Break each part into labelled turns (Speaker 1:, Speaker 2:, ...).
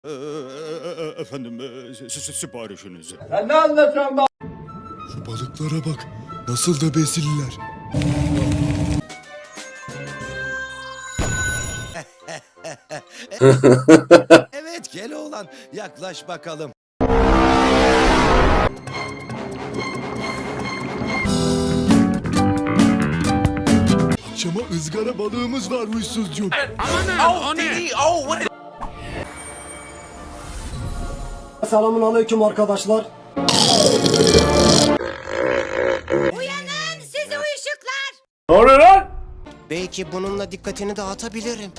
Speaker 1: Efendim, siparişinizi.
Speaker 2: Sen ne anlatıyorsun be?
Speaker 3: Şu balıklara bak. Nasıl da besililer.
Speaker 4: Evet Keloğlan, yaklaş bakalım.
Speaker 3: Akşama ızgara balığımız var huysuzcuğum.
Speaker 5: Selamun aleyküm arkadaşlar.
Speaker 6: Uyanın sizi uyuşuklar.
Speaker 2: Ne oluyor lan?
Speaker 4: Belki bununla dikkatini dağıtabilirim.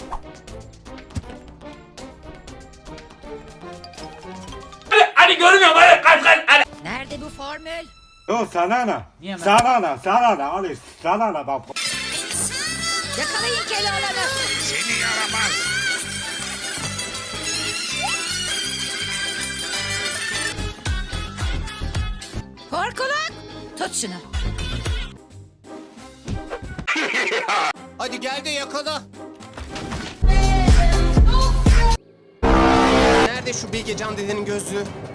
Speaker 2: Hadi görmüyorum hadi kaç.
Speaker 6: Nerede bu formül?
Speaker 7: Yo sana ne? Ali sana ne bak.
Speaker 6: Yakalayın Keloğlan'ı.
Speaker 1: Seni yaramaz.
Speaker 6: Korkuluk. Tut şunu.
Speaker 4: Hadi gel de yakala. Nerede şu Bilgecan dedenin gözlüğü?